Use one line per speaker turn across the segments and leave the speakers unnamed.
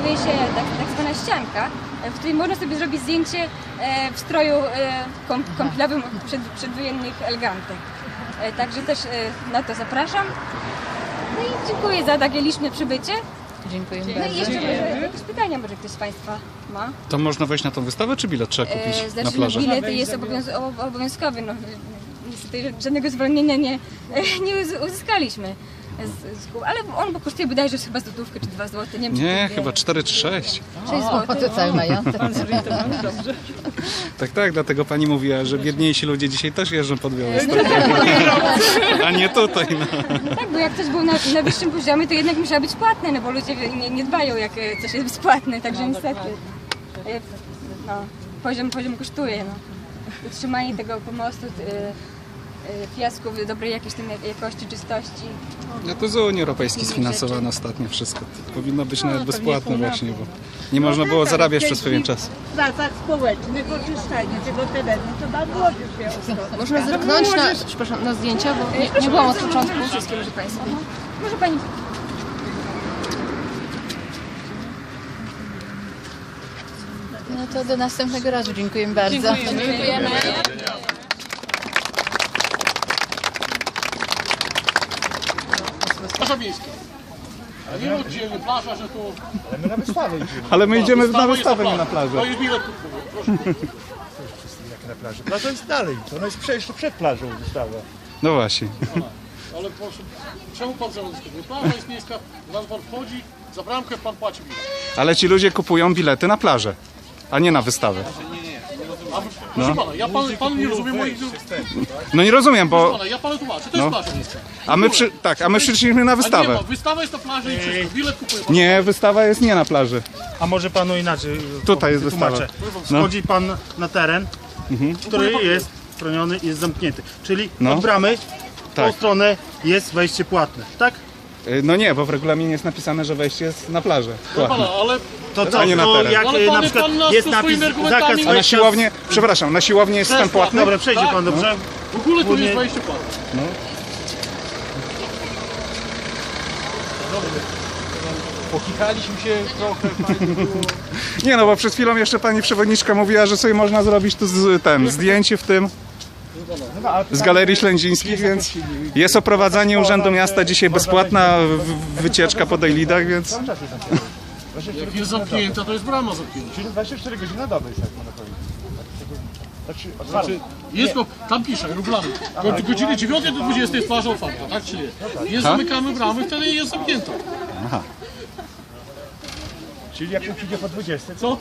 znajduje się tak zwana ścianka, w której można sobie zrobić zdjęcie w stroju kąpielowym przedwojennych elegantek. Także też na to zapraszam. No i dziękuję za takie liczne przybycie.
Dziękuję
No i
bardzo.
jeszcze może jakieś pytania może ktoś z Państwa ma?
To można wejść na tą wystawę, czy bilet trzeba kupić na
Znaczy,
plaży?
bilet jest obowiązkowy. No, niestety żadnego zwolnienia nie uzyskaliśmy. Ale on kosztuje bodajże chyba złotówkę czy 2 zł. Nie, wiem, czy
Nie,
to
chyba 4 czy 6.
6 zł.
To cały majątek.
Tak, dlatego pani mówiła, że biedniejsi ludzie dzisiaj też jeżdżą pod Białystok. A nie tutaj, no.
Tak, bo jak coś było na wyższym poziomie, to jednak musiało być płatne, no bo ludzie nie dbają, jak coś jest bezpłatne, także niestety no, poziom kosztuje. No. Utrzymanie tego pomostu, piasków dobrej jakości, czystości.
No to z Unii Europejskiej sfinansowane ostatnio wszystko. To powinno być nawet bezpłatne właśnie, bo nie można było zarabiać przez pewien czas.
W pracach społecznych, oczyszczanie tego terenu, to na młodzież się ostro.
Można zerknąć na zdjęcia, bo nie byłam od początku.
Wszystkie, proszę Państwa. Może Pani...
No to do następnego razu. Dziękuję bardzo. Dziękujemy.
Plaża miejska. A nie ma gdzie, plaża, że tu...
Ale my idziemy na
Wystawa
wystawę,
jest
nie na plażę.
To jest bilet kupuję, proszę.
Jak na plaży. Plaża jest dalej, to ona jest przed plażą wystawa.
No właśnie.
Ale proszę, czemu pan zadyskutuje? Plaża jest miejska, pan wchodzi, za bramkę pan płaci bilet.
Ale ci ludzie kupują bilety na plażę, a nie na wystawę.
Proszę pana, pan nie rozumie moich...
No nie rozumiem,
Proszę
bo...
pana, ja panu tłumaczę, to jest plaża miejska.
A my przyszliśmy na
A nie
wystawę.
ma, wystawa jest na plaży i wszystko, bilet kupuje pan.
Nie, wystawa jest nie na plaży.
A może panu inaczej
Tutaj jest
tłumaczę.
No.
Wchodzi pan na teren, który jest chroniony i jest zamknięty. Czyli
No.
od bramy w tą
Tak.
stronę jest wejście płatne, tak?
No nie, bo w regulaminie jest napisane, że wejście jest na plażę.
Proszę pana, ale...
To
A
co,
nie na
to
teren.
jak
Ale
na
pan
przykład
nas
jest
tu
napis
swoimi argumentami-
zakaz
A
A na
wejścia...
siłownię, przepraszam, na siłownię jest stan płatny?
Dobra, przejdzie
Tak,
pan do brzegu.
W ogóle tu jest wejście płatne.
Pokichaliśmy się trochę.
Nie no, bo przed chwilą jeszcze pani przewodniczka mówiła, że sobie można zrobić tu zdjęcie w tym, z Galerii Ślędzińskich, więc jest oprowadzanie Urzędu Miasta dzisiaj bezpłatna wycieczka po Dejlidach, więc...
Jak jest zamknięta, to jest brama zamknięta.
Czyli 24 godziny na dobę jest, jak można powiedzieć. Znaczy,
Jest, no, tam pisze, regulament. Od godziny 9 do 20 jest plaża otwarta, tak czy nie? Nie zamykamy bramy, wtedy jest zamknięta.
czyli jak się przyjdzie po 20,
Co?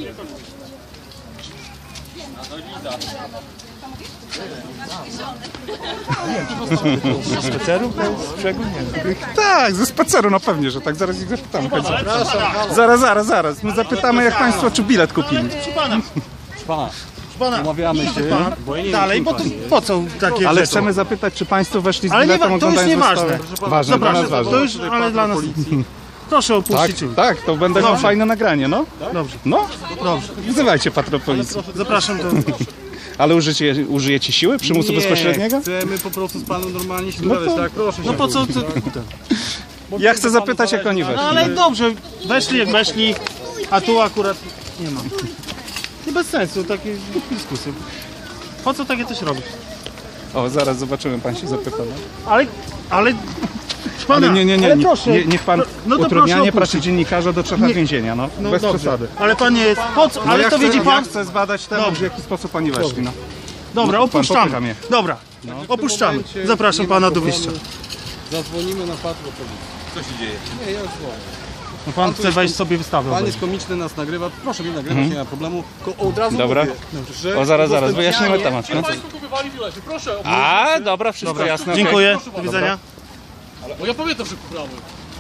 z spaceru, z brzegu? Nie.
Tak, ze spaceru, no pewnie, że tak, zaraz ich zapytamy. Zaraz. My zapytamy jak państwo, czy bilet kupili.
Pana, umawiamy się. Dalej, bo to, po co takie
Ale
rzeczy?
chcemy zapytać, czy państwo weszli z
Ale nie
biletem,
to już
oglądając
nieważne.
wystawę? Ważne, dla nas ważne.
To już, ale dla nas nic. Proszę
Tak,
opuścić.
tak, to będę miał fajne nagranie, no.
Dobrze,
No,
dobrze.
wzywajcie patrol policji.
Zapraszam do...
Ale użyjecie siły, przymusu bezpośredniego?
Chcemy po prostu z panem normalnie się dogadać, tak? Proszę
No po co?
Ja chcę zapytać, jak oni
No
weszli.
ale dobrze, weszli jak weszli, a tu akurat nie ma. I bez sensu takie dyskusje. Po co takie coś robić?
O, zaraz zobaczymy, pan się zapyta. No.
Ale
Ale
pana,
nie,
ale proszę,
niech pan
no to
utrudnianie
proszę
pracy
opuścić.
dziennikarza do 3 lat
Nie.
więzienia, no.
No
Bez
dobrze,
przesady.
ale pan nie jest, po co?
No
Ale
ja
to
chcę,
widzi pan?
Ja chcę zbadać temat, w jaki sposób oni weszli, no.
Dobra,
pan popycha
opuszczamy.
mnie.
Dobra, opuszczamy. Zapraszam pana do wyjścia.
Zadzwonimy na patrol policji. Co się dzieje? Nie, ja już dzwonię.
No pan chce wejść sobie wystawę.
Pan jest komiczny, nas nagrywa. Proszę mnie nagrywać, nie ma problemu. Tylko od razu
Dobra.
mówię, że
O, zaraz, wyjaśnimy temat.
Czy
No.
państwo kupywali bilety? Proszę.
A, dobra, wszystko jasne.
Dziękuję,
Proszę
do widzenia.
Bo ja pamiętam, że kupiamy.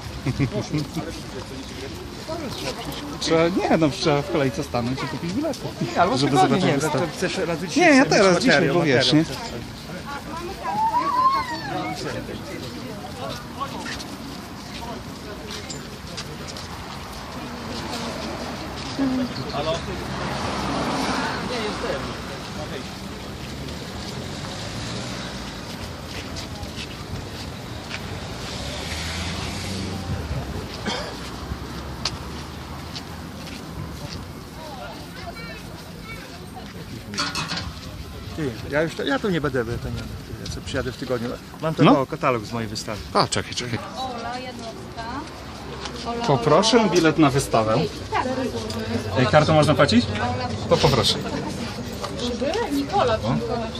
Trzeba, trzeba w kolejce stanąć i kupić bilety.
Albo
żeby zobaczyć wystawę.
chcesz razy
Nie, ja teraz, dzisiaj, bo wiesz, nie?
Ja tu nie będę, bo to nie wiem, co przyjadę w tygodniu. Mam
No.
katalog z mojej wystawy.
A, czekaj. Poproszę bilet na wystawę. Kartą można płacić? To poproszę.
Nikola.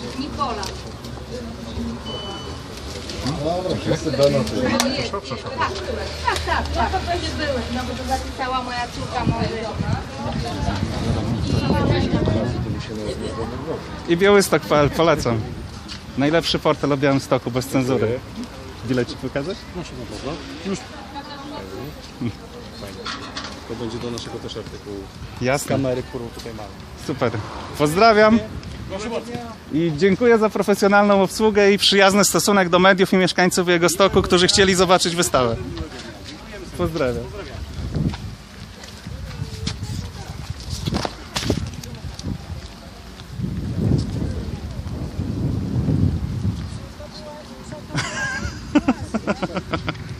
Tak, to będzie były, no bo to zapisała moja córka może.
I Białystok.pl polecam. Najlepszy portal o Białymstoku bez cenzury. Bilecik pokazać?
To będzie do naszego też artykułu.
Jasne.
Kamery, którą tutaj mamy.
Super. Pozdrawiam. I dziękuję za profesjonalną obsługę i przyjazny stosunek do mediów i mieszkańców Białegostoku, którzy chcieli zobaczyć wystawę. Pozdrawiam.